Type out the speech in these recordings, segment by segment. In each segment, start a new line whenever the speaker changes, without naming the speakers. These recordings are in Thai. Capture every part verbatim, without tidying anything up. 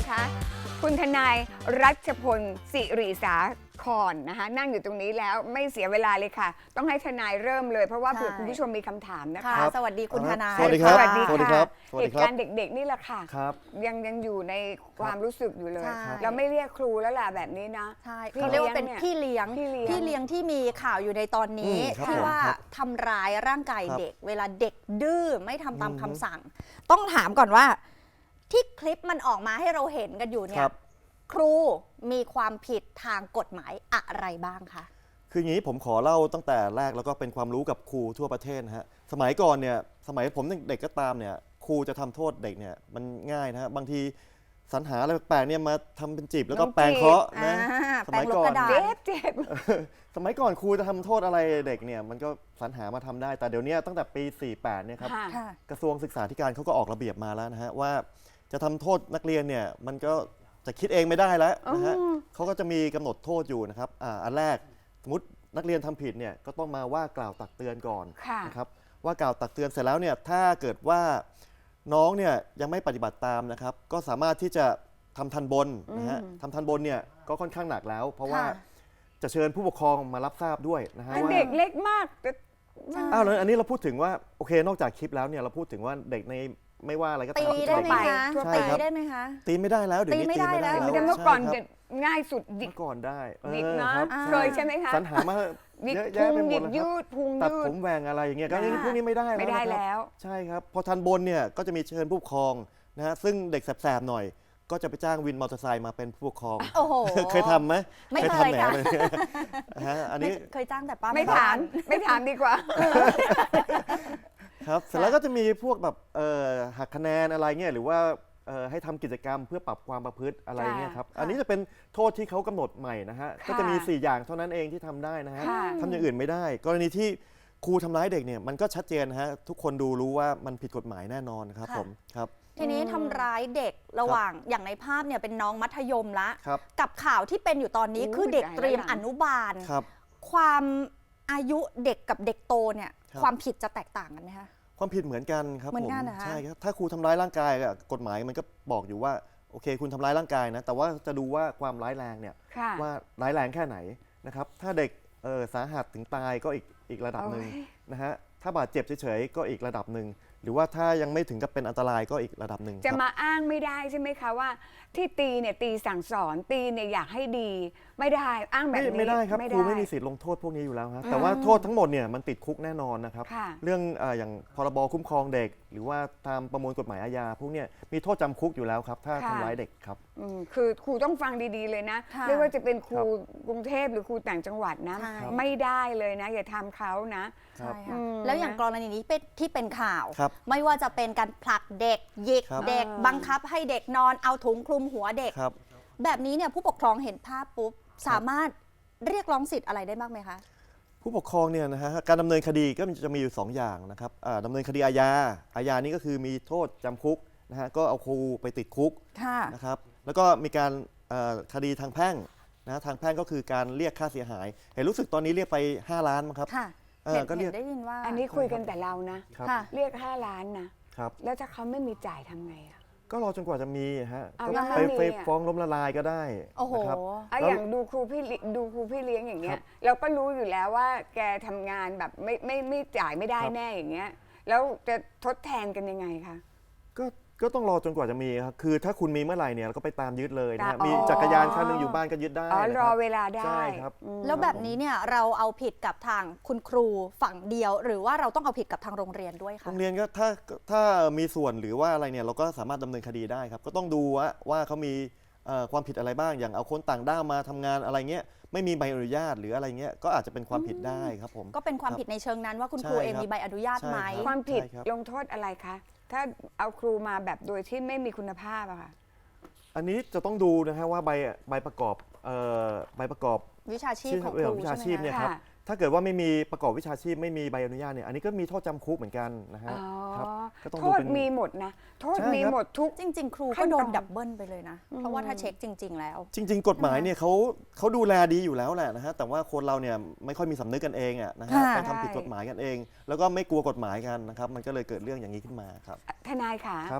นะคะคุณทนายรัชพลสิริสาครนะคะนั่งอยู่ตรงนี้แล้วไม่เสียเวลาเลยค่ะ ต้องให้ทนายเริ่มเลยเพราะว่าเผื่อคุณผู้ชมมีคำถามนะคะ
สวัสดีคุณทนาย
สวัสดีครับ
สวัสดี
สวัสดีค
ค่ะ
รับ
เหตุการณ์เด็กๆนี่แหละค่ะ
ครับ
ยังยังอยู่ในความรู้สึกอยู่เลย
ใช่
เราไม่เรียกครูแล้วล่ะแบบนี้นะ
ใช่
พี่
เขาเรียกว่าเป็น
เลี้ยง
พี่เลี้ยง
พี่เลี้ยง
พี่เลี้ยงที่มีข่าวอยู่ในตอนนี้
อืมครับ
ที่ว่า
ครับ
ทำร้ายร่างกาย
ครับ
เด็ก เวลาเด็กดื้อไม่ทำตาม
อืม
คำสั่ง ต้องถามก่อนว่า ที่คลิปมันออกมาให้เราเห็นกันอยู่เนี่
ครั
ย
บ
ครูมีความผิดทางกฎหมายอะไรบ้างคะ
คืออย่างนี้ผมขอเล่าตั้งแต่แรกแล้วก็เป็นความรู้กับครูทั่วประเทศนะฮะสมัยก่อนเนี่ยสมัยผมเด็กก็ตามเนี่ยครูจะทำโทษเด็กเนี่ยมันง่ายนะฮะบางทีสรรหาอะไรแปลกๆเนี่ยมาทำเป็นจีบแล้วก็
น้องจีบ
แปรงเคราะห์นะ
อ่า
สมัย
แปรงลบ
ก่อก น
ระดาษ
เจ็บเจ็บ
สมัยก่อนครูจะทำโทษอะไรเด็กเนี่ยมันก็สรรหามาทำได้ แต่เดี๋ยวนี้ตั้งแต่ปีสี่สิบแปดเนี่ยครับ
ค่ะ
ค่ะ
กระทรวงศึกษาธิการเขาก็ออกระเบียบมาแล้วนะฮะว่าจะทำโทษนักเรียนเนี่ยมันก็จะคิดเองไม่ได้แล้วนะฮะ
อืม
เขาก็จะมีกำหนดโทษอยู่นะครับอ่าอันแรกสมมตินักเรียนทำผิดเนี่ยก็ต้องมาว่ากล่าวตักเตือนก่อน
ค่ะ
นะครับว่ากล่าวตักเตือนเสร็จแล้วเนี่ยถ้าเกิดว่าน้องเนี่ยยังไม่ปฏิบัติตามนะครับก็สามารถที่จะทำทันบนนะฮะ
อืม
ทำทันบนเนี่ยก็ค่อนข้างหนักแล้ว เพราะว่า
ค่ะ
จะเชิญผู้ปกครองมารับทราบด้วยนะฮะ
อัน
ว่า
เด็กเล็กมากแต่
ใช่
อ้าวแล้วอันนี้เราพูดถึงว่าโอเคนอกจากคลิปแล้วเนี่ยเราพูดถึงว่าเด็กในไม่ว่าอะไรก็
ตี
ตามที่
ได้
เป็น
ไหม
เด็ก
คะ
ทั่วไป
ใช่
ตี
ครับ
ได้ไหมคะ
ตีไม่ได้แล้วเดี๋ยวนี้
ตีไม่
ตี
ได้
ไม่ได้
แล้ว
แล้ว
แต่เมื่อก่อน
ใช่
เด็
ครับ
กง่ายสุดหยิก
เมื่อก่อนได้เออ
หยิกเนาะ
ครับ
เคยใช่ไหมคะ
สรรหามา
หยิก
เยอะ
พุ
แยะ
ง
ไปห
ห
ม
ยิ
ด
ก
แล้ว
ยื
ครับ
ดพุง
ตัด
ยื
ผ
ด
มแหวงอะไรอย่างเงี้ยก็
อ่า
พวกนี้ไม่ได้แล้ว
ไม่ได้
นะครับ
แล้ว
ใช่ครับพอทันบนเนี่ยก็จะมีเชิญผู้ปกครองนะฮะซึ่งเด็กแสบๆหน่อย ก็จะไปจ้างวินมอเตอร์ไซค์มาเป็นผู้ปกครอง
โอ้โห
เคยทำไหม
ไม่เคย
ทำแหน
ค่ะ
เลยนะฮะอันนี้
เคยจ้างแต่ป้า
ไม่
บ้
ถามไม่ถามดีกว่า
ครับเสร็จแล้วก็จะมีพวกแบบเอ่อหักคะแนนอะไรเงี้ยหรือว่าเอ่อให้ทำกิจกรรมเพื่อปรับความประพฤติอะไรเงี้ยครับ
ค่ะ
อันนี้จะเป็นโทษที่เขากำหนดใหม่นะฮะ
ค่ะ
ก็จะมีสี่อย่างเท่านั้นเองที่ทำได้นะฮะ
ค่ะ
ทำอย่างอื่นไม่ได้ กรณีที่ครูทำร้ายเด็กเนี่ยมันก็ชัดเจนนะฮะทุกคนดูรู้ว่ามันผิดกฎหมายแน่นอนครับ
ค่ะ
ผมครับ
ทีนี้ทำร้ายเด็กระหว่างอย่างในภาพเนี่ยเป็นน้องมัธยมละ
ครับ
กับข่าวที่เป็นอยู่ตอนนี้
อู้
คือเด็ก
ตายแล้ว
เตรียม
หลัง
อนุบาล
ครับ
ความอายุเด็กกับเด็กโตเนี่ย
ครับ
ความผิดจะแตกต่างกันไหมคะ
ความผิดเหมือนกันครับ
เหมือน
ผม
กันเหรอคะ
ใช่ครับถ้าครูทำร้ายร่างกายอะกฎหมายมันก็บอกอยู่ว่าโอเค คุณทำร้ายร่างกายนะแต่ว่าจะดูว่าความร้ายแรงเนี่ย
ค่ะ
ว่าร้ายแรงแค่ไหนนะครับ ถ้าเด็กเอ่อสาหัสถึงตายก็อีกอีกระดับหนึ่ง
โอ้ย
นะฮะ ถ้าบาดเจ็บเฉยๆก็อีกระดับหนึ่ง หรือว่าถ้ายังไม่ถึงกับเป็นอันตรายก็อีกระดับหนึ่ง
จะ
ครับ
มาอ้างไม่ได้ใช่ไหมคะว่า ที่ตีเนี่ยตีสั่งสอนตีเนี่ยอยากให้ดี ไม่ได้อ้างแบบ
ไม่
นี้
ไม่ได้ครับ
ไม่
ครูไม่มีสิทธิ์ลงโทษพวกนี้อยู่แล้วครับแต่ว่าโทษทั้งหมดเนี่ยมันติดคุกแน่นอนนะครับ
ค่ะ
เรื่องเอ่ออย่างพรบคุ้มครองเด็ก หรือว่าตามประมวลกฎหมายอาญาพวกเนี้ยมีโทษจำคุกอยู่แล้วครับถ้า
ค่ะ
ทำร้ายเด็กครับ
อืมคือครูต้องฟังดีๆเลยนะ
ค่ะ
ไม่ว่าจะเป็นครูกรุงเทพหรือครูต่างจังหวัดนะ
ใช่
ไม่ได้เลยนะ อย่าทำเขานะ
ครั
ใช่
บ
ค่ะ
อืม
แล้วอย่างกรณีนี้เป็นที่เป็นข่าว
ครับ
ไม่ว่าจะเป็นการผลักเด็กหยิก
ครับ
เด็ก
อ่า
บังคับให้เด็กนอนเอาถุงคลุมหัวเด็ก
ครับ
แบบนี้เนี่ยผู้ปกครองเห็นภาพปุ๊บสามารถเรียกร้องสิทธิ์อะไรได้บ้างไหมคะ
ผู้ปกครองเนี่ยนะฮะการดำเนินคดีก็จะมีอยู่สองอย่างนะครับอ่าดำเนินคดีอาญาอาญานี่ก็คือมีโทษจำคุกนะฮะก็เอาครูไปติดคุก
ค่ะ
นะครับแล้วก็มีการเอ่อคดีทางแพ่งนะทางแพ่งก็คือการเรียกค่าเสียหาย เห็นรู้สึกตอนนี้เรียกไปห้าล้านมั้งครับ
ค่ะ
เออ
เห็น
ก็เรี
เห็
ยก
นได้ยินว่า
อันนี้คุยกันแต่เรานะ
ครับ
ค่ะ
เรียกห้าล้านนะครับ แล้วถ้าเขาไม่มีจ่ายทำไงอะ
ก็รอจนกว่าจะมีฮะ
เอา
ก็
แล้ว
ไป
ไม่มี
ไป
อะ
ฟ้องล้มละลายก็ได้
โอ้โห
นะครับ
อะ
แล้ว
อย่างดูครูพี่เลี้ยดูครูพี่เลี้ยงอย่างเงี้
ครั
ย
บ
เราก็รู้อยู่แล้วว่าแกทำงานแบบไม่ไม่ไม่จ่ายไม่ได้
ครับ
แน่อย่างเงี้ยแล้วจะทดแทนกันยังไงคะ
ก็ก็ต้องรอจนกว่าจะมีครับคือถ้าคุณมีเมื่อไหร่เนี่ยเราก็ไปตามยึดเลยนะฮะ
อ๋อ
มีจักรยานคันหนึงอยู่บ้านก็ยึดได้
อ๋อ
นะ
ร
ค
อ
รับ
เวลาได้
ใช่ครับ
อืม
แล้วแบบนี้เนี่ยเราเอาผิดกับทางคุณครูฝั่งเดียว หรือว่าเราต้องเอาผิดกับทางโรงเรียนด้วย
โร
คะ
งเรียนก็ถ้าถ้ามีส่วนหรือว่าอะไรเนี่ยเราก็สามารถดำเนินคดีได้ครับก็ต้องดูว่าว่าเขามีเอ่อความผิดอะไรบ้างอย่างเอาคนต่างด้าวมาทำงานอะไรเงี้ยไม่มีใบอนุญาตหรืออะไรเงี้ยก็อาจจะเป็นความผิดได้ครับผม
ก็เป็นความ
ครับ
ผิดในเชิงนั้นว่าคุณครู
ใช่
เอง
ครับ
มีใบอนุญาตไหม
ใช่ครับ
ความผิด
ใช่ครับ
ลงโทษอะไรคะ ถ้าเอาครูมาแบบโดยที่ไม่มีคุณภาพอะค่ะ
อันนี้จะต้องดูนะฮะว่าใบใบประกอบเอ่อใบประกอบ
วิชาชีพของค
เรื่
รู
วิชา
ใช่
ชีพ
ไหม
เนี่ย
คะ
ครับ
ค่ะ
ถ้าเกิดว่าไม่มีประกอบวิชาชีพไม่มีใบอนุญาตเนี่ยอันนี้ก็มีโทษจำคุกเหมือนกันนะฮะ
อ๋อ
ครับก็ต้อง
โท
ดู
ษ
เป็น
มีหมดนะ โทษ
ใช่
มี
ครับ
หมดทุก
จริง ๆ ครู
ขั้
ก็
น
โด
ต
น
อน
ดับเบิลไปเลยนะ เพราะว่าถ้าเช็คจริง ๆ แล้ว
จริง ๆ กฎหมายเนี่ยเขาเขาดูแลดีอยู่แล้วแหละนะฮะแต่ว่าคนเราเนี่ยไม่ค่อยมีสำนึกกันเองอะนะฮะ
ค่ะ
ไปทำผิดกฎหมายกันเอง แล้วก็ไม่กลัวกฎหมายกันนะครับมันก็เลยเกิดเรื่องอย่างนี้ขึ้นมาครับ
ทนายค่ะ
ครับ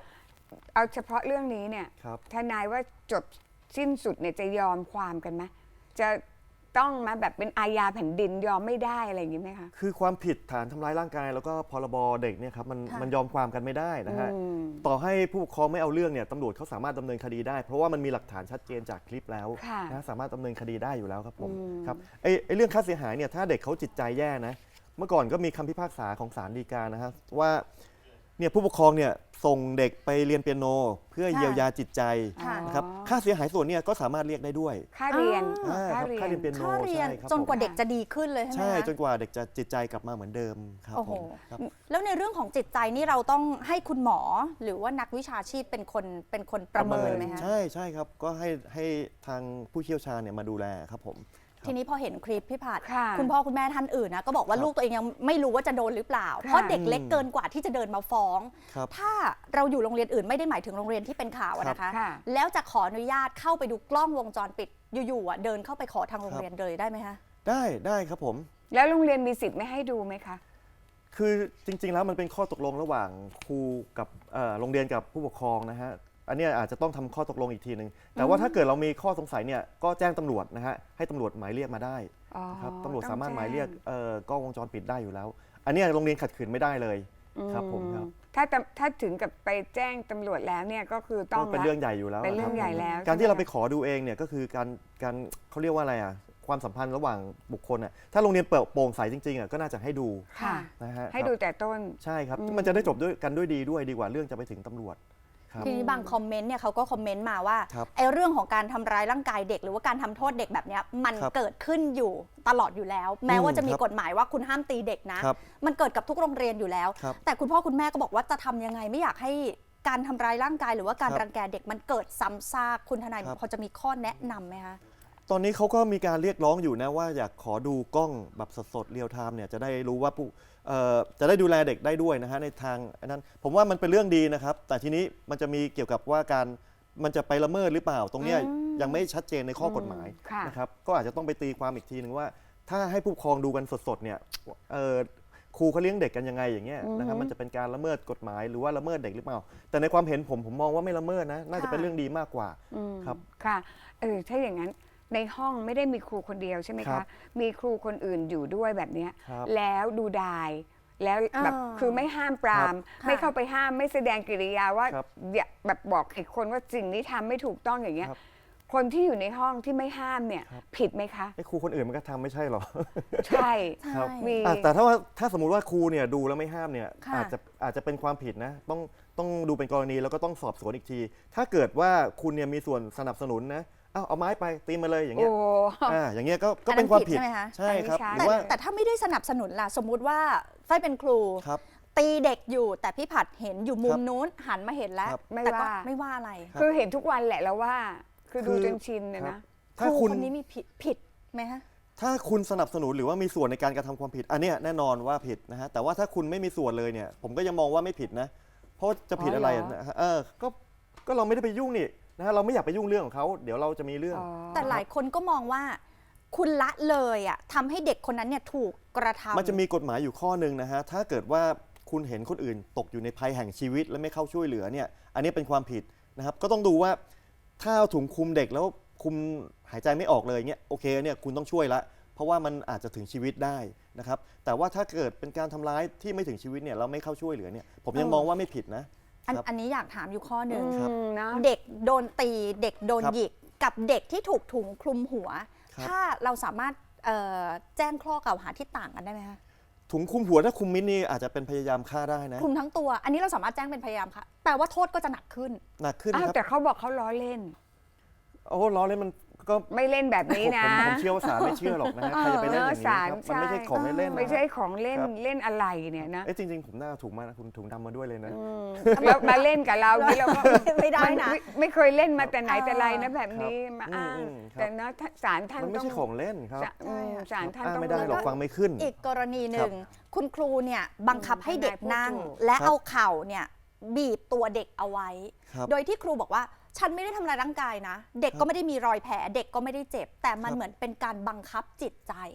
เอาเฉพาะเรื่องนี้เนี่ย
ครับ
ทนายว่าจบสิ้นสุดเนี่ยจะยอมความกันไหมจะต้องมาแบบเป็นอาญาแผ่นดินยอมไม่ได้อะไรอย่างนี้ไหมคะ
คือความผิดฐานทำร้ายร่างกายแล้วก็พรบเด็กเนี่ยครับมัน
ค่ะ
มันยอมความกันไม่ได้นะฮะ
อืม
ต่อให้ผู้ปกครองไม่เอาเรื่องเนี่ยตำรวจเขาสามารถดำเนินคดีได้ เพราะว่ามันมีหลักฐานชัดเจนจากคลิปแล้ว
ค่ะ
นะสามารถดำเนินคดีได้อยู่แล้วครับผม
อืม
ครับไอ้ไอ้เรื่องค่าเสียหายเนี่ยถ้าเด็กเขาจิตใจแย่นะเมื่อก่อนก็มีคำพิพากษาของศาลฎีกานะฮะว่าเนี่ยผู้ปกครองเนี่ยส่งเด็กไปเรียนเปียโน เพื่อ
ค่ะ
เยียวยาจิตใจ
ค่ะ
นะครับค่าเสียหายส่วนเนี่ยก็สามารถเรียกได้ด้วย
ค่าเรียน
อ่า
อ่าครับค่าเรียนเปียโน
ค่าเรียน
ใช่ครับ
จนกว่า
ผม
เด็กจะดีขึ้นเลยใช่ไหม
ใช่
คะ
จนกว่าเด็กจะจิตใจกลับมาเหมือนเดิมครับ
โอ้โห
ผมครับ
แล้วในเรื่องของจิตใจนี่เราต้องให้คุณหมอหรือว่านักวิชาชีพเป็นคนเป็นคนประเมินไหมคะ
ใช่ใช่ครับก็ให้ให้ทางผู้เชี่ยวชาญเนี่ยมาดูแลครับผม
ทีนี้พอเห็นคลิปพี่ผัด
ค่ะ
คุณพ่อคุณแม่ท่านอื่นนะก็บอกว่า
ครับ
ลูกตัวเองยังไม่รู้ว่าจะโดนหรือเปล่า
ค่ะ
เพราะเด็กเล็กเกินกว่าที่จะเดินมาฟ้อง
ครับ
ถ้าเราอยู่โรงเรียนอื่นไม่ได้หมายถึงโรงเรียนที่เป็นข่าวอะนะคะ
ค่ะ
แล้วจะขออนุญาตเข้าไปดูกล้องวงจรปิดอยู่ๆอะเดินเข้าไปขอทางโรงเรียนเลยได้ไหมคะ
ได้ได้ครับผม
แล้วโรงเรียนมีสิทธิ์ไม่ให้ดูไหมคะ
คือจริง ๆ แล้วมันเป็นข้อตกลงระหว่างครูกับเอ่อโรงเรียนกับผู้ปกครองนะฮะอันเนี้ยอาจจะต้องทำข้อตกลงอีกทีหนึ่งแต่ว่าถ้าเกิดเรามีข้อสงสัยเนี่ยก็แจ้งตำรวจนะฮะให้ตำรวจหมายเรียกมาได้
อ๋อ
ครับตำรวจ
ต้อง
สามารถ
แจ้ง
หมายเรียกเอ่อกล้องวงจรปิดได้อยู่แล้ว อันเนี้ยโรงเรียนขัดขืนไม่ได้เลยครับผมครับ
ถ้าตำถ้าถึงกับไปแจ้งตำรวจแล้วเนี่ยก็คือต้อง
ก็เป็น
ละ
เรื่องใหญ่อยู่แล้ว
เป็นเรื่อง
คบ
ใหญ่แล้ว
การ
ใช่
ที่
ไหม
เราไป
คะ
ขอดูเองเนี่ยก็คือการการเขาเรียกว่าอะไรอ่ะความสัมพันธ์ระหว่างบุคคลอ่ะถ้าโรงเรียนเปิดโปร่งใสจริงๆอ่ะก็น่าจะให้ดู
ค่ะ
นะฮะ
ให้
ครับ
ดูแต่ต้น
ใช่ครับ
อืม
มันจะได้จบด้วยกันด้วยดีด้วยดีกว่าเรื่องจะไปถึงตำรวจครับ
ทีนี้บางคอมเมนต์เนี่ยเขาก็คอมเมนต์มาว่า
ครับ
ไอ้เรื่องของการทำร้ายร่างกายเด็กหรือว่าการทำโทษเด็กแบบเนี้ยมัน
ครับ
เกิดขึ้นอยู่ตลอดอยู่แล้ว แม้ว่าจะมี
ครับ
กฎหมายว่าคุณห้ามตีเด็กนะ
ครับ
มันเกิดกับทุกโรงเรียนอยู่แล้ว
ครับ
แต่คุณพ่อคุณแม่ก็บอกว่าจะทำยังไงไม่อยากให้การทำร้ายร่างกายหรือว่าการ
ครับ
รังแกเด็กมันเกิดซ้ำซากคุณทนาย
ครับ
พอจะมีข้อแนะนำไหมคะ
ตอนนี้เขาก็มีการเรียกร้องอยู่นะว่าอยากขอดูกล้องแบบสดๆเรียลไทม์เนี่ยจะได้รู้ว่าผู้เอ่อจะได้ดูแลเด็กได้ด้วยนะฮะในทางอันนั้นผมว่ามันเป็นเรื่องดีนะครับ แต่ทีนี้มันจะมีเกี่ยวกับว่าการมันจะไปละเมิดหรือเปล่า ตรงเนี้ย
อืม
ยังไม่ชัดเจนในข้อกฎหมาย
อืมค่ะ
นะครับก็อาจจะต้องไปตีความอีกทีหนึ่งว่า ถ้าให้ผู้ปกครองดูกันสดๆเนี่ยเอ่อครูเขาเลี้ยงเด็กกันยังไงอย่างเงี้ยนะครับมันจะเป็นการละเมิดกฎหมายหรือว่าละเมิดเด็กหรือเปล่า แต่ในความเห็นผมผมมองว่าไม่ละเมิดนะน่าจะเป็นเรื่องดีมากกว่า
อืม
ครับ
ค่ะเออถ้าอย่างนั้นในห้องไม่ได้มีครูคนเดียวใช่ไหม
ครั
คะ
บ
มีครูคนอื่นอยู่ด้วยแบบเนี้ย
ครับ
แล้วดูดาย แล้วแบบ
อ่า
คือไม่ห้ามปราม
ครับ
ไม่เข้าไปห้ามไม่แสดงกิริยาว่า
ครับ
อย่าแบบบอกเหตุคนว่าสิ่งนี้ทำไม่ถูกต้องอย่างเงี้ย
ครับ
คนที่อยู่ในห้องที่ไม่ห้ามเนี่ย
ครับ
ผิดไหมคะ
ไอ้ครูคนอื่นมันก็ทำไม่ใช่หรอ
ใช่
ครับ
ใช่
มี
อ่ะแต่ถ้าว่าถ้าสมมุติว่าครูเนี่ยดูแล้วไม่ห้ามเนี่ย
ค่ะ
อาจจะอาจจะเป็นความผิดนะต้องต้องดูเป็นกรณีแล้วก็ต้องสอบสวนอีกที ถ้าเกิดว่าคุณเนี่ยมีส่วนสนับสนุนนะเอาเอาไม้ไปตีมาเลยอย่าง
โอ้
เงี้ยอ่าอย่างเงี้ยก็ก็
อันนั้น
เป็นความผิด
ผิดใช่ไหมคะ
ใช่ครับ
อันนี้
หรื
แต่
อว่า
แต่ถ้าไม่ได้สนับสนุนล่ะสมมุติว่าฝ้ายเป็นครู
ครับ
ตีเด็กอยู่แต่พี่ผัดเห็นอยู่มุ
ครั
ม
บ
นู้นหันมาเห็นแล้ว
ครับ
ไม่
แต่ก็
ว่า
ไม่ว่าอะไร
ครับ
คือเห็นทุกวันแหละแล้วว่า คือดู
คือ
จนชินนะ
ครับ
นะ
ค
ถ้า
รู
คุณ
คนนี้มีผิดผิดไหมฮะ
ถ้าคุณสนับสนุนหรือว่ามีส่วนในการกระทำความผิด อันเนี้ยแน่นอนว่าผิดนะฮะแต่ว่าถ้าคุณไม่มีส่วนเลยเนี่ย ผมก็ยังมองว่าไม่ผิดนะ เพราะว่าจะผิด
อ๋อ
อะไร
เหรอ
นะฮะเออก็ก็เราไม่ได้ไปยุ่งนี่นะฮะเราไม่อยากไปยุ่งเรื่องของเขาเดี๋ยวเราจะมีเรื่อง
อ๋อ
แต่หลายคนก็มองว่า คุณละเลยอ่ะทำให้เด็กคนนั้นเนี่ยถูกกระทำ
มันจะมีกฎหมายอยู่ข้อหนึ่งนะฮะ ถ้าเกิดว่าคุณเห็นคนอื่นตกอยู่ในภัยแห่งชีวิตและไม่เข้าช่วยเหลือเนี่ย อันนี้เป็นความผิดนะครับ ก็ต้องดูว่าถ้าเอาถุงคลุมเด็กแล้วคุมหายใจไม่ออกเลยเนี่ยโอเคเนี่ยคุณต้องช่วยละ เพราะว่ามันอาจจะถึงชีวิตได้นะครับ แต่ว่าถ้าเกิดเป็นการทำร้ายที่ไม่ถึงชีวิตเนี่ยเราไม่เข้าช่วยเหลือเนี่ย ผมยัง
เออ
มองว่าไม่ผิดนะ
อัน
ครับ
อันนี้อยากถามอยู่ข้อหนึ่ง
ครับ
อืมเนอะ
เด็กโดนตีเด็กโดน
ครับ
หยิกกับเด็กที่ถูกถุงคลุมหัว
ครับ
ถ้าเราสามารถเอ่อแจ้งข้อกล่าวหาที่ต่างกันได้ไหมคะ
ถุงคลุมหัวถ้าคลุมมิดนี่อาจจะเป็นพยายามฆ่าได้นะ
คลุมทั้งตัว อันนี้เราสามารถแจ้งเป็นพยายามค่ะแปลว่าโทษก็จะหนักขึ้น
หนักขึ้น
อ้าว
ครับ
แต่เขาบอกเขาล้อเล่น
โอ้ล้อเล่นมันก็
ไม่เล่นแบบนี้
ผม
นะ
ผมผมเชื่อว่าศาลไม่เชื่อหรอกนะฮะใครจะไปเล่นอย่างนี้ครับมันไม่ใช่ของเล่นๆนะ
ไม่ใช่ของเล่น
ครับ
เล่นอะไรเนี่ยนะ
เอ๊ะจริงๆ ผมน่าเอาถุงมานะคุณถุงดำมาด้วยเลยนะ
อืมแล้วมาเล่นกับเรานี่เราก็
ไม่ได้นะ
มัไม่ไม่เคยเล่นมาแต่ไหน
เออ
แต่ไรนะแบบนี้มา
อืม
อ้าง
อืมครับ
แต่นะถ้าศาลท่าน
มันไม่
ต้อง
ใช่ของเล่นครับ
ศาลอืมศาลท่าน
อ้าง
ต้อง
ไม่ได้หรอก
แล้วก็
ฟังไม่ขึ้น
อีกกรณีหนึ่งคุณครูเนี่ยบังคับให้เด็กนั่ง
ทนายพูดถูก
และ
ครับ
เอาเข่าเนี่ยบีบตัวเด็กเอาไว้
ครับ
โดยที่ครูบอกว่าฉันไม่ได้ทำร้ายร่างกายนะ เด็ก
ครับ
ก็ไม่ได้มีรอยแผลเด็กก็ไม่ได้เจ็บ แต่มัน
ครับ
เหมือนเป็นการบังคับจิตใจ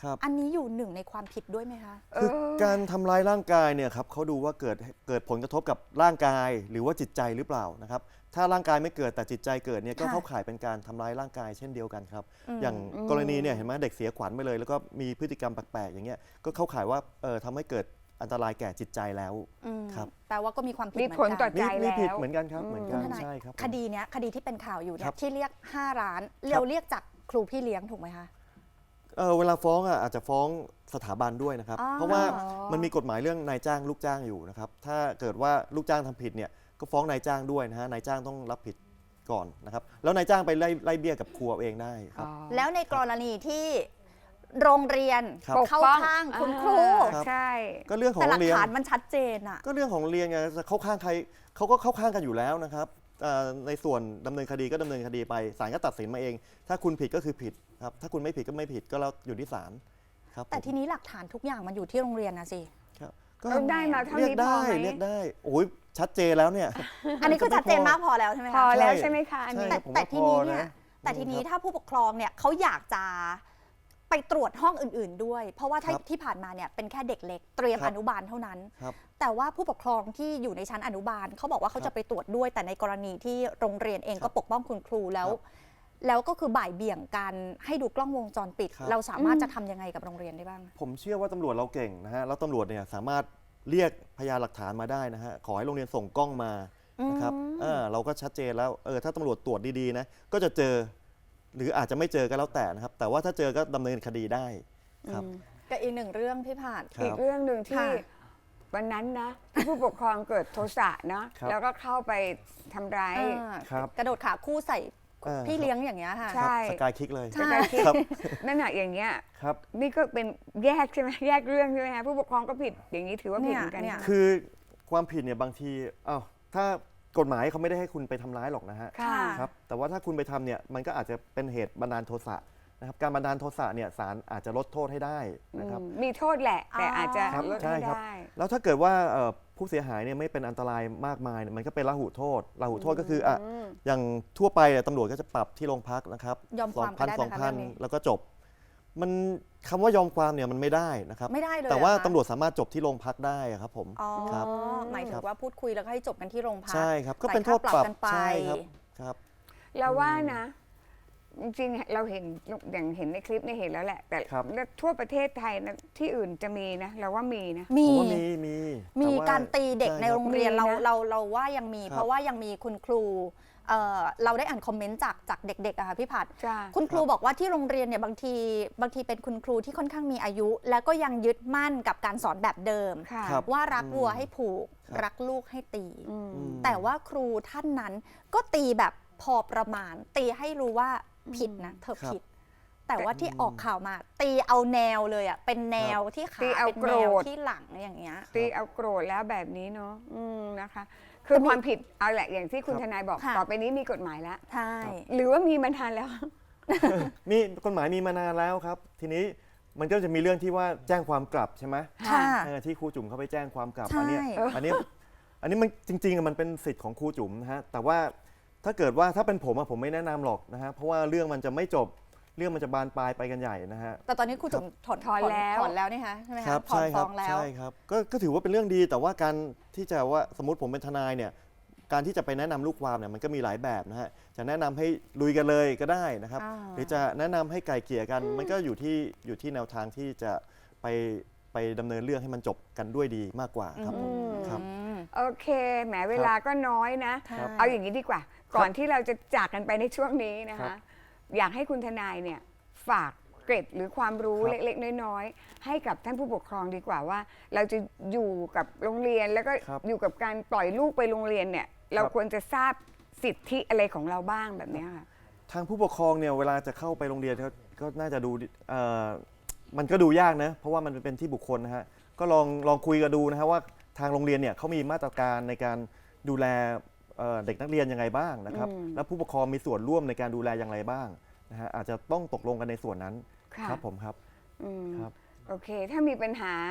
ครับ
อันนี้อยู่หนึ่งในความผิดด้วยไหมคะ
คือการทำร้ายร่างกายเนี่ยครับเขาดูว่าเกิดเกิดผลกระทบกับร่างกายหรือว่าจิตใจหรือเปล่านะครับถ้าร่างกายไม่เกิดแต่จิตใจเกิดเนี่ยก็
ค่ะ
เข้าข่ายเป็นการทำร้ายร่างกายเช่นเดียวกันครับ
อืม
อย่างกรณีเนี่ยเห็นไหมเด็กเสียขวัญไปเลย แล้วก็มีพฤติกรรมแปลกๆอย่างเงี้ยก็เข้าข่ายว่าเออทำให้เกิดอันตรายแก่จิตใจแล้ว
อืม
ครับ
แปลว่าก็มีความผิด
มี
เหมือ
ผล
น
ต่
กั
อน ใจ
มีมีผิด
แล้ว
เหมือนกันครับเหมือนกัน
คุณทนาย
ใช่ครับ
คดีเนี้ยคดีที่เป็นข่าวอยู่เนี่
ครั
ย
บ
ที่เรียกห้าล้านเราเรียกจากครูพี่เลี้ยงถูกไหมคะ
เออเวลาฟ้องอ่ะอาจจะฟ้องสถาบันด้วยนะครับ
อ๋อ
เพราะว่ามันมีกฎหมายเรื่องนายจ้างลูกจ้างอยู่นะครับถ้าเกิดว่าลูกจ้างทำผิดเนี่ยก็ฟ้องนายจ้างด้วยนะฮะนายจ้างต้องรับผิดก่อนนะครับแล้วนายจ้างไปไล่ไล่เบี้ยกับครูเอาเองได้ครับ
แล้วในกรณีที่โรงเรียน
ครับ
เข้าข้างคุณครู
ครับ
ใช่
ก็เรื่องของ
แต่ห
โร
ลัก
งเรียน
ฐานมันชัดเจนอะ
ก็เรื่องของโรงเรียนไงจะเข้าข้างใครเขาก็เข้าข้างกันอยู่แล้วนะครับเอ่อในส่วนดำเนินคดีก็ดำเนินคดีไปศาลก็ตัดสินมาเอง ถ้าคุณผิดก็คือผิดครับถ้าคุณไม่ผิดก็ไม่ผิดก็แล้วอยู่ที่ศาลครับ
แต่
ผม
ทีนี้หลักฐานทุกอย่างมันอยู่ที่โรงเรียนนะสิ
ครับก็
เราได้มาเท่า
เรียก
นี้พอ
ได้
ไหม
เรียกได้โอ้ยชัดเจนแล้วเนี่ย
อันนี้คือชัดเจนมากพอแล้วใช่ไหม
พอ
คะ
แล้ว
ใช่
ใช่ไหมคะอันนี้
ใช่
แต่
ผม
แต่
ว่า
ทีนี้
พอ
เนี่ย
นะ
แต่ทีนี้
ครับ
ถ้าผู้ปกครองเนี่ยเขาอยากจะไปตรวจห้องอื่น ๆด้วย เพราะว่าถ้า
ครับ
ที่ผ่านมาเนี่ยเป็นแค่เด็กเล็กเตรียม
ครับ
อนุบาลเท่านั้น
ครับ
แต่ว่าผู้ปกครองที่อยู่ในชั้นอนุบาลเขาบอกว่าเขา
ครับ
จะไปตรวจด้วย แต่ในกรณีที่โรงเรียนเอง
ครับ
ก็ปกป้องคุณครูแล้ว
ครับ
แล้วก็คือบ่ายเบี่ยงกันให้ดูกล้องวงจรปิด
ครับ
เราสามารถจะทำยังไงกับโรงเรียนได้บ้าง
ผมเชื่อว่าตำรวจเราเก่งนะฮะแล้วตำรวจเนี่ยสามารถเรียกพยานหลักฐานมาได้นะฮะขอให้โรงเรียนส่งกล้องมานะครับ
อืม
เออเราก็ชัดเจนแล้วเออถ้าตำรวจตรวจดีๆนะก็จะเจอ หรืออาจจะไม่เจอก็แล้วแต่นะครับ แต่ว่าถ้าเจอก็ดำเนินคดีได้ครับ
กับอีกหนึ่งเรื่องพี่ผ่าน
ครับ
อีกเรื่องหนึ่งที่
ค่ะ
วันนั้นนะที่ผู้ปกครองเกิดโทสะเนาะ
ครับ
แล้วก็เข้าไปทำร้าย
อ่า
ครับ
กระโดดขาคู่ใส่
เออ
พี่เลี้ยงอย่างเงี้ยค่ะ
ใช่
ครับสกายคิกเลย
ใช่
จะได้คิด
ครับ
นั่นแหะอย่างเงี้ย
ครับ
นี่ก็เป็นแยกใช่ไหมแยกเรื่องใช่ไหมคะผู้ปกครองก็ผิดอย่างนี้ถือว่าผิดเหมือนกัน
เนี่ย
คือความผิดเนี่ยบางทีอ้าวถ้ากฎหมายเขาไม่ได้ให้คุณไปทำร้ายหรอกนะฮะ
ค่ะ
ครับแต่ว่าถ้าคุณไปทำเนี่ยมันก็อาจจะเป็นเหตุบันดาลโทสะนะครับการบันดาลโทสะเนี่ยศาลอาจจะลดโทษให้ได้นะครับ
อืมมีโทษแหละ แต่อาจจะ
ครับ
ลด
ใช่
ให้
ครับ
ได้
แล้วถ้าเกิดว่าเอ่อผู้เสียหายเนี่ยไม่เป็นอันตรายมากมายเนี่ยมันก็เป็นละหุโทษละหุโทษก็คืออ่ะอย่างทั่วไปอ่ะตำรวจก็จะปรับที่โรงพักนะครับ
ยอมความกันได้ไหมคะ
สองพัน
เรื่องนี้
แล้วก็จบ มันคำว่ายอมความเนี่ยมันไม่ได้นะครับ
ไม่ได้เลย
แต่ว่า
เหรอคะ
ตำรวจสามารถจบที่โรงพักได้อะครับผม
อ๋อ
ครับ
หมายถึ
ครั
ง
บ
ว่าพูดคุยแล้วก็ให้จบกันที่โรงพัก
ใช่ครับก็
จ่าย
เป็นโทษ
ค่า
ปรับ
กันไป
ใช่ครับครับ
เราว่านะ จริงๆเราเห็นอย่างเห็นในคลิปเนี่ยเห็นแล้วแหละ แต่
ครับ
ทั่วประเทศไทยนะที่อื่นจะมีนะ เราว่ามีนะ
มี
ผมว่ามีมี
มี
แต่ว่
การตีเด็ก
ช่
ใน
คบ
โรงเรียน
มีนะ
เราเราเราว่ายังมี
ครับ
เพราะว่ายังมีคุณครูเอ่อเราได้อ่านคอมเมนต์จากจากเด็กๆอะค่ะพี่ผัด
จ้า
คุณครู
ครับ
บอกว่าที่โรงเรียนเนี่ยบางทีบางทีเป็นคุณครูที่ค่อนข้างมีอายุ แล้วก็ยังยึดมั่นกับการสอนแบบเดิม
ค่ะ
ครับ
ว่ารัก
อืม
วัวให้ผูก
ครับ
รักลูกให้ตี
อืม
อืม
แต่ว่าครูท่านนั้นก็ตีแบบพอประมาณ ตีให้รู้ว่าผิดนะเธอ
ครับ
ผิด แต่ว่าที่ออกข่าวมา ตีเอาแนวเลยอ่ะเป็นแนวที่ขา
ตีเอา
เป็นแนว
โกรธ
ที่หลังอย่างเงี้ย
ตีเอาโกรธแล้วแบบนี้เนาะอืมนะคะ คือความผิดเอาแหละอย่างที่คุณ
ครับ
ทนายบอก
ค่ะ
ต่อไปนี้มีกฎหมายแล้ว
ใช่
หรือว่ามีมานานแล้ว
มีกฎหมายมีมานานแล้วครับ ทีนี้มันก็จะมีเรื่องที่ว่าแจ้งความกลับใช่ไหม
ค่ะ
เออที่ครูจุ๋มเขาไปแจ้งความกลับ
ใช่
อันเนี้ยอันเนี้ยอันนี้มันจริงๆอะมันเป็นสิทธิ์ของครูจุ๋มนะฮะแต่ว่าถ้าเกิดว่าถ้าเป็นผมอะผมไม่แนะนำหรอกนะฮะเพราะว่าเรื่องมันจะไม่จบเรื่องมันจะบานปลายไปกันใหญ่นะฮะ
แต่ตอนนี้ครูจุ๋มถอน
ถอนแล้ว
ถอนแล้วนี่คะใช่ไหม
ครั
คะ
บ
ถอน
ใช่ค
ฟ้
รั
องแล้ว
ใช่ครับก็ก็ถือว่าเป็นเรื่องดีแต่ว่าการที่จะว่าสมมติผมเป็นทนายเนี่ยการที่จะไปแนะนำลูกความเนี่ยมันก็มีหลายแบบนะฮะจะแนะนำให้ลุยกันเลยก็ได้นะครับ
อ่า
หรือจะแนะนำให้ไกลเกลี่ยกัน มันก็อยู่ที่อยู่ที่แนวทางที่จะไปไปดำเนินเรื่องให้มันจบกันด้วยดีมากกว่าครับผม
อืม
ครับ
อืม
โอเค แหมเวลาก็น้อยนะ
ครับ
เอาอย่างนี้ดีกว่า ก่อนที่เราจะจากกันไปในช่วงนี้นะ
ครั
คะ
บ
อยากให้คุณทนายเนี่ยฝากเกร็ดหรือความรู้
ครับ
เล็กๆ น้อยๆ ให้กับท่านผู้ปกครองดีกว่าว่า เราจะอยู่กับโรงเรียนแล้วก็
ครับ
อยู่กับการปล่อยลูกไปโรงเรียนเนี่ย เรา
ครับ
ควรจะทราบสิทธิอะไรของเราบ้างแบบเนี้ยค่ะ
ทางผู้ปกครองเนี่ยเวลาจะเข้าไปโรงเรียนก็ก็น่าจะดูเอ่อมันก็ดูยากนะเพราะว่ามันเป็นที่บุคคลนะฮะก็ลองลองคุยกันดูนะฮะว่าทางโรงเรียนเนี่ยเขามีมาตรการในการดูแลเอ่อเด็กนักเรียนยังไงบ้างนะครับ
อืม
และผู้ปกครองมีส่วนร่วมในการดูแลอย่างไรบ้างนะฮะอาจจะต้องตกลงกันในส่วนนั้น
ค่ะ
ครับผมครับ
อืม
ครับ
โอเค ถ้ามีปัญหา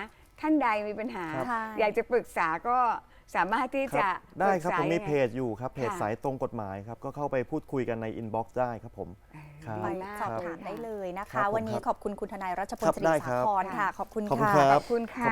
ท่านใดมีปัญหา
ครับ
อยากจะปรึกษาก็สามารถที่
ค
จะ
รับได้ครับ
ป
ผ
ก
ม
ษา
มี
ยังไง
เพจอยู่ครับเพจ
ค่ะ
สายตรงกฎหมายครับก็เข้าไปพูดคุยกันในอินบ็อกซ์ได้ครับผมครับ
ไป
มาก
สอบ
เลย
ถาม
ค่ะ
ได้เลยนะ
ครั
คะ
บผม
วันนี้
ครับ
ขอบคุณคุณทนายรัชพล
ครับ
สิริ
ได้
สา
ครับ
ครค่ะ ขอบคุณ
ขอบคุณ
ค่ะ
ครับ
ขอบคุณค่ะ